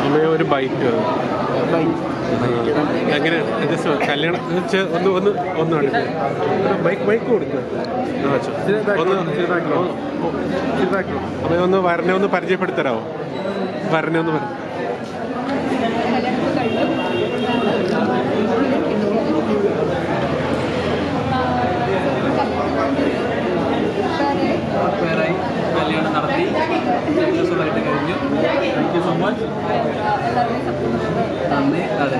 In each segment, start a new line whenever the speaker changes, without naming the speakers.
അമ്മയെ ഒരു ബൈക്ക് എങ്ങനെ ജസ്റ്റ് കല്യാണം ഒന്ന് ബൈക്ക് കൊടുക്കുക അമ്മയെ ഒന്ന് വരനെ ഒന്ന് പരിചയപ്പെടുത്തരാമോ? വരനെ ഒന്ന് പറഞ്ഞു.
പേരായി കല്യാണം നടത്തി സക്സസ്ഫുള്ളായിട്ട് കഴിഞ്ഞു. Thank you so much. നന്ദി. അതെ,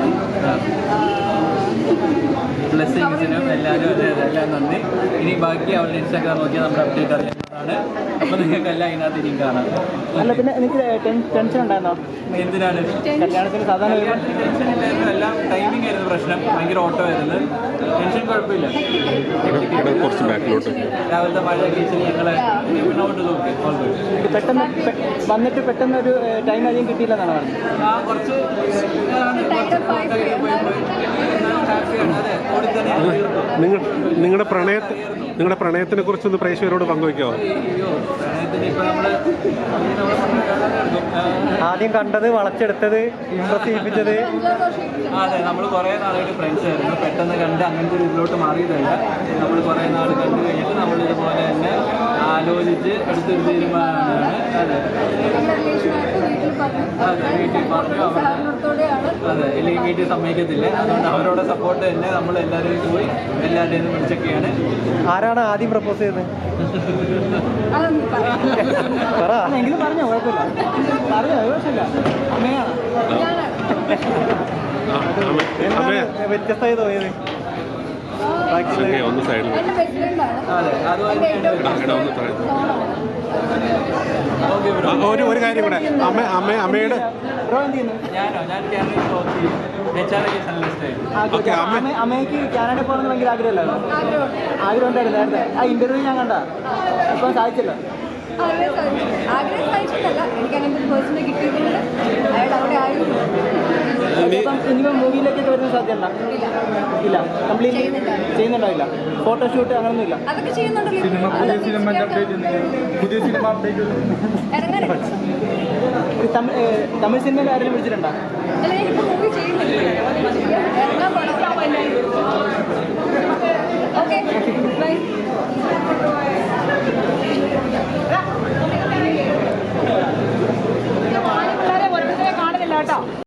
ബ്ലെസ്സിങ്സിനും എല്ലാവരും എല്ലാം നന്ദി. ഇനി ബാക്കി അവരുടെ ഇൻസ്റ്റാഗ്രാം നോക്കിയാൽ നമ്മുടെ അപ്ഡേറ്റ് അറിയാവുന്നതാണ്. അപ്പോൾ നിങ്ങൾക്കെല്ലാം അതിനകത്ത് ഇനിയും കാണാം.
അല്ല, പിന്നെ എനിക്ക് ടെൻഷൻ ഉണ്ടായിരുന്നോ?
എന്തിനാണ്
കല്യാണത്തിന്? സാധാരണ
ടെൻഷൻ ഇല്ലായിരുന്നു, എല്ലാം ടൈമിംഗ് ആയിരുന്നു പ്രശ്നം. ഭയങ്കര ഓട്ടോ ആയിരുന്നു. ടെൻഷൻ കുഴപ്പമില്ല.
കുറച്ച് ബാക്കിലോട്ട്
രാവിലത്തെ മഴയൊക്കെ ഇച്ചിരി ഞങ്ങളെ മുന്നോട്ട് നോക്കി.
പെട്ടെന്ന് വന്നിട്ട് പെട്ടെന്ന് ഒരു ടൈം അധികം കിട്ടിയില്ലെന്നാണ് പറഞ്ഞത്.
ആ കുറച്ച് ഹാപ്പിയാണ്. അതെ, ഓടി തന്നെ
നിങ്ങളുടെ പ്രണയത്തിനെ കുറിച്ചൊന്ന് പ്രേക്ഷകരോട് പങ്കുവയ്ക്കാമോ?
ആദ്യം കണ്ടത്, വളച്ചെടുത്തത്, ഇംപ്രസ് ചെയ്യിപ്പിച്ചത്.
അതെ, നമ്മൾ കുറേ നാളായിട്ട് ഫ്രണ്ട്സ് ആയിരുന്നു. പെട്ടെന്ന് കണ്ട് അങ്ങനത്തെ ഒരു ഇതിലോട്ട് മാറിയതല്ല. നമ്മൾ കുറേ നാൾ കണ്ടു കഴിഞ്ഞിട്ട് നമ്മൾ ഇതുപോലെ തന്നെ ആലോചിച്ച് എടുത്തൊരു തീരുമാനമാണ്. അതെ അതെ, വീട്ടിൽ പറഞ്ഞു. അതെ, ഇല്ലെങ്കിൽ വീട്ടിൽ സമ്മതിക്കത്തില്ല. അതുകൊണ്ട് അവരോട് സപ്പോർട്ട് തന്നെ നമ്മൾ എല്ലാവരും പോയി എല്ലാവരുടെയും വിളിച്ചൊക്കെയാണ്.
ആരാണ് ആദ്യം പ്രപ്പോസ് ചെയ്തത്? എങ്കിലും പറഞ്ഞോ, കുഴപ്പമില്ല, പറഞ്ഞോ, കുഴപ്പമില്ല. അമ്മയാണ്. വ്യത്യസ്തമായി തോന്നിയത്
ഒന്ന് സൈഡിൽ
അതെ, അതുപോലെ
ഒരു കാര്യം കൂടെ, അമ്മയുടെ
അമ്മയ്ക്ക് കാനഡയിൽ പോകണമെന്ന് ഭയങ്കര ആഗ്രഹമല്ലോ? ആഗ്രഹം ഉണ്ടായിരുന്നു നേരത്തെ. ആ ഇന്റർവ്യൂ ഞാൻ കണ്ട, ഇപ്പം സാധിച്ചല്ലോ. ഇനിയിപ്പം മൂവിയിലേക്കൊക്കെ വരുന്ന സാധ്യത ഇല്ല? കംപ്ലീറ്റ് ചെയ്യുന്നുണ്ടാവില്ല? ഫോട്ടോഷൂട്ട് അങ്ങനൊന്നും ഇല്ല? പുതിയ സിനിമ അപ്ഡേറ്റ് തമിഴ് സിനിമയിൽ ആരെങ്കിലും വിളിച്ചിട്ടുണ്ടോ?